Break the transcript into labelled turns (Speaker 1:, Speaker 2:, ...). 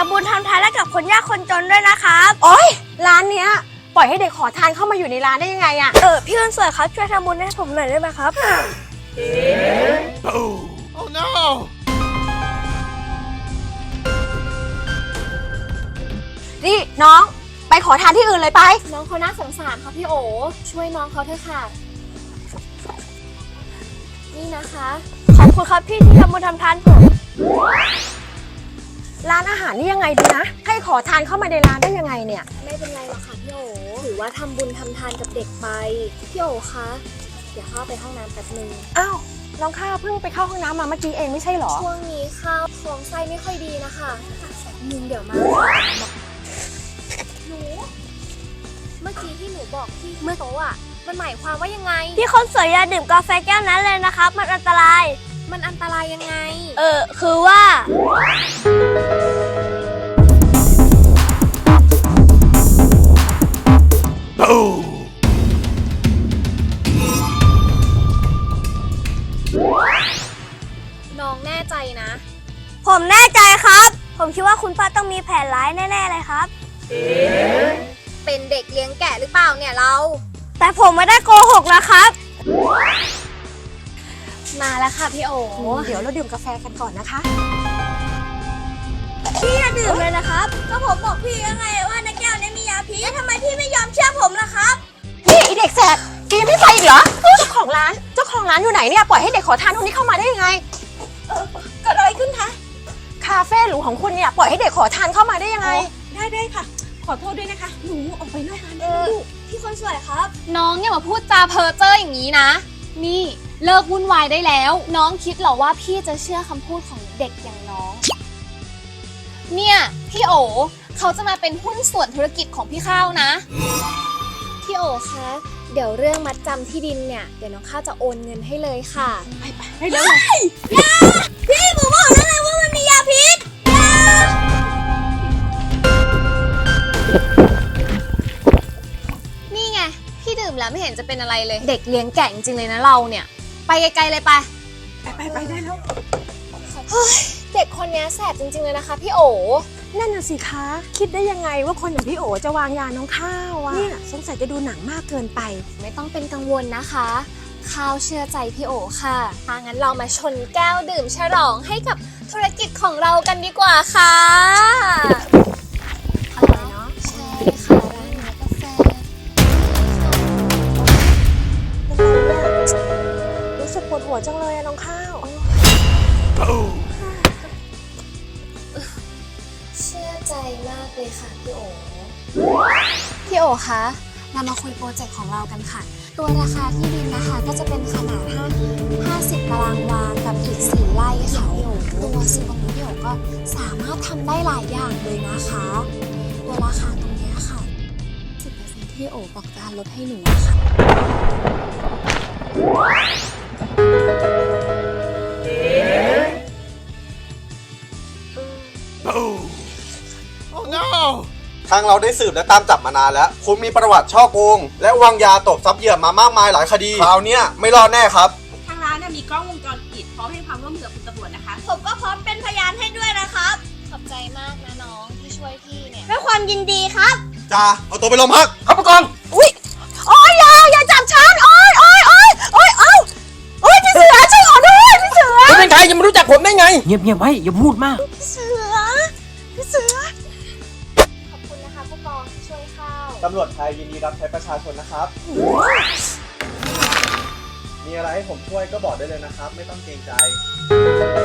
Speaker 1: ำบุญทำทานให้กับคนยากคนจนด้วยนะครับ
Speaker 2: โอ๊ยร้านเนี้ยปล่อยให้เด็กขอทานเข้ามาอยู่ในร้านได้ยังไงอะ
Speaker 1: พี่คนสวยครับช่วยทำบุญให้ผมหน่อยได้ไหมครับ
Speaker 3: Oh no!
Speaker 2: นี่น้องไปขอทานที่อื่นเลยไป
Speaker 4: น้องเขาน่าสงสารค่ะพี่โอช่วยน้องเขาเถอะค่ะ นี่นะคะ
Speaker 1: ขอบคุณครับพี่ที่ทำบุญทำทานผม
Speaker 2: ร้านอาหารนี่ยังไงดีนะให้ขอทานเข้ามาในร้านได้ยังไงเนี่ย
Speaker 4: ไม่เป็นไรหรอกค่ะพี่โอถือว่าทำบุญทำทานกับเด็กไปพี่โอคะเดี๋ยวเข้าไปห้องน้ำแป๊บนึง
Speaker 2: อ้าวน้องข้าวเพิ่งไปเข้าห้องน้ำมาเมื่อกี้เองไม่ใช่หรอ
Speaker 4: ช่วงนี้ข้าวท้องไส้ไม่ค่อยดีนะคะแป๊บนึงเดี๋ยวมาหนูเมื่อกี้ที่หนูบอกพี่เมื่อโต๊ะอ่ะมันหมายความว่ายังไง
Speaker 1: พี่คนสวยอย่าดื่มกาแฟแก้วนั้นเลยนะครับ มันอันตราย
Speaker 4: มันอันตรายยังไง
Speaker 1: คือว่า
Speaker 4: น้องแน่ใจนะ
Speaker 1: ผมแน่ใจครับ ผมคิดว่าคุณป้าต้องมีแผนร้ายแน่ๆเลยครับ
Speaker 4: เป็นเด็กเลี้ยงแกะหรือเปล่าเนี่ยเรา
Speaker 1: แต่ผมไม่ได้โกหกนะครับ
Speaker 4: มาแล้วค่ะพี่โอ
Speaker 2: เดี๋ยวเราดื่มกาแฟกันก่อนนะคะ
Speaker 1: พี่อย่าดื่มเลยนะครับ ก็ผมบอกพี่ยังไงว่าในแก้วนี้มียาพิษแล้วทำไมพี่ไม่ยอมเชื่อผมล่ะครับ
Speaker 2: นี่ไอเด็กแสบแกยังไม่ไปอีกเหรอเจ้าของร้านอยู่ไหนเนี่ยปล่อยให้เด็กขอทานคนนี้เข้ามาได้ยังไงเกิดอะไรขึ้นคะคาเฟ่หรูของคุณเนี่ยปล่อยให้เด็กขอทานเข้ามาได้ยังไงได้ค่ะขอโทษด้วยนะคะหนูออกไปนอกร้านได้ไหมลูก
Speaker 1: พี่คนสวยครับ
Speaker 4: น้องอย่ามาพูดจาเพ้อเจ้ออย่างนี้นะ นี่เลิกวุ่นวายได้แล้ว น้องคิดเหรอว่าพี่จะเชื่อคำพูดของเด็กอย่างน้อง เนี่ยพี่โอเขาจะมาเป็นหุ้นส่วนธุรกิจของพี่ข้าวนะ พี่โอคะเดี๋ยวเรื่องมัดจำที่ดินเนี่ยเดี๋ยวน้องข้าวจะโอนเงินให้เลยค่ะ
Speaker 2: ไปเร็ว
Speaker 1: พี่ผมบอกแล้วไงว่ามันมียาพิษ
Speaker 4: นี่ไงพี่ดื่มแล้วไม่เห็นจะเป็นอะไรเลย เด็กเลี้ยงแกะจริงๆเลยนะเราเนี่ยไปไกลๆเลยไป
Speaker 2: ไปได้แล้ว
Speaker 4: เด็กคนนี้แสบจริงๆเลยนะคะพี่โอ
Speaker 2: นั่นน่ะสิคะคิดได้ยังไงว่าคนอย่างพี่โอจะวางยาน้องข้าวอะเนี่ยสงสัยจะดูหนังมากเกินไป
Speaker 4: ไม่ต้องเป็นกังวลนะคะข้าวเชื่อใจพี่โอค่ะถ้างั้นเรามาชนแก้วดื่มฉลองให้กับธุรกิจของเรากันดีกว่าค่ะอร่อยเนาะใช่ค่ะร้านนี้กาแฟ
Speaker 2: รู้สึกปวดหัวจังเลยอะน้องข้าว
Speaker 4: เชื่อใจมากเลยค่ะพี่โอพี่โอคะเรามาคุยโปรเจกต์ของเรากันค่ะตัวราคาที่ดินนะคะก็จะเป็นขนาด50ตารางวากับอีก4ไร่ค่ะพี่โอตัวซึ่งตรงนี้พี่โอก็สามารถทำได้หลายอย่างเลยนะคะตัวราคาตรงนี้ค่ะ10%ที่โอบอกจะลดให้หนูค่ะ
Speaker 3: Oh no!
Speaker 5: ทางเราได้สืบและตามจับมานานแล้ว คุณมีประวัติช่อโกง และวางยาตบทรัพย์เหยื่อมามากมายหลายคดี คราวเนี้ยไม่รอดแน่ครับ
Speaker 6: ทางร้านมีกล้องวงจรปิดพร้อมให้ความร่วมมือกับคุณตำรวจนะคะ
Speaker 1: ผมก็พร้อมเป็นพยานให้ด้วยนะครับ
Speaker 4: ขอบใจมากนะน้องที่ช่วยพี่เนี่ย
Speaker 1: ด้วยความยินดีครับ
Speaker 5: จ้า เอาตัวไปโรงพัก
Speaker 3: ครับผู้กอง
Speaker 2: อุ้ยโอ้ยอย่าจับฉันโอ้ยพี่เสือช่วยขอด้วยพี่เสือ
Speaker 3: คุณเป็นใครยังไม่รู้จักผมได้ไง เงียบๆไว้อย่าพูดมาก
Speaker 2: พี่เสือ
Speaker 4: ขอบคุณนะคะผู้กองที่ช่วยข้าว
Speaker 5: ตำรวจไทยยินดีรับใช้ประชาชนนะครับ มีอะไรให้ผมช่วยก็บอกได้เลยนะครับ ไม่ต้องเกรงใจ